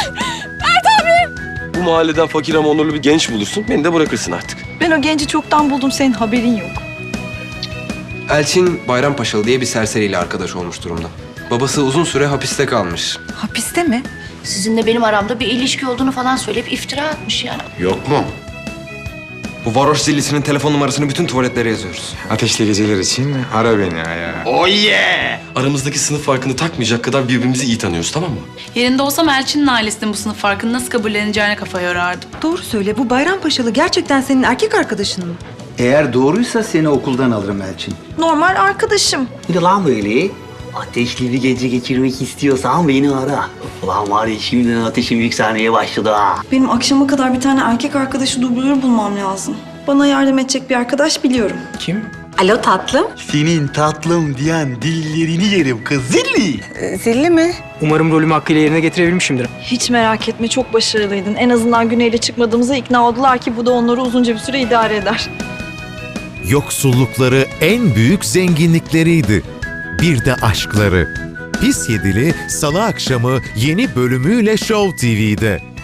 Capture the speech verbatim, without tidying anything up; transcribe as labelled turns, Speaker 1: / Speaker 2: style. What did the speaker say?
Speaker 1: Bu mahalleden fakir ama onurlu bir genç bulursun. Beni de bırakırsın artık.
Speaker 2: Ben o genci çoktan buldum, senin haberin yok.
Speaker 3: Elçin Bayrampaşalı diye bir serseriyle arkadaş olmuş durumda. Babası uzun süre hapiste kalmış.
Speaker 2: Hapiste mi?
Speaker 4: Sizinle benim aramda bir ilişki olduğunu falan söyleyip iftira atmış yani.
Speaker 3: Yok mu? Bu varoş zillisinin telefon numarasını bütün tuvaletlere yazıyoruz.
Speaker 5: Ateşli geceler için ara beni ya.
Speaker 1: Oh yeah! Aramızdaki sınıf farkını takmayacak kadar birbirimizi iyi tanıyoruz, tamam mı?
Speaker 6: Yerinde olsam Elçin'in ailesinin bu sınıf farkını nasıl kabulleneceğine kafa yorardım.
Speaker 2: Doğru söyle, bu Bayrampaşalı gerçekten senin erkek arkadaşın mı?
Speaker 7: Eğer doğruysa seni okuldan alırım Elçin.
Speaker 2: Normal arkadaşım.
Speaker 8: Bir lan böyle. Ateşli bir gece geçirmek istiyorsan beni ara. Ulan var ya şimdiden ateşim yükselmeye başladı ha.
Speaker 2: Benim akşama kadar bir tane erkek arkadaşı dublör bulmam lazım. Bana yardım edecek bir arkadaş biliyorum.
Speaker 5: Kim?
Speaker 2: Alo tatlım.
Speaker 8: Senin tatlım diyen dillerini yerim kız zilli.
Speaker 2: Zilli mi?
Speaker 9: Umarım rolümü hakkıyla yerine getirebilmişimdir.
Speaker 2: Hiç merak etme, çok başarılıydın. En azından Güney'le çıkmadığımıza ikna oldular ki bu da onları uzunca bir süre idare eder.
Speaker 10: Yoksullukları en büyük zenginlikleriydi. Bir de aşkları. Pis Yedili Salı akşamı yeni bölümüyle Show T V'de.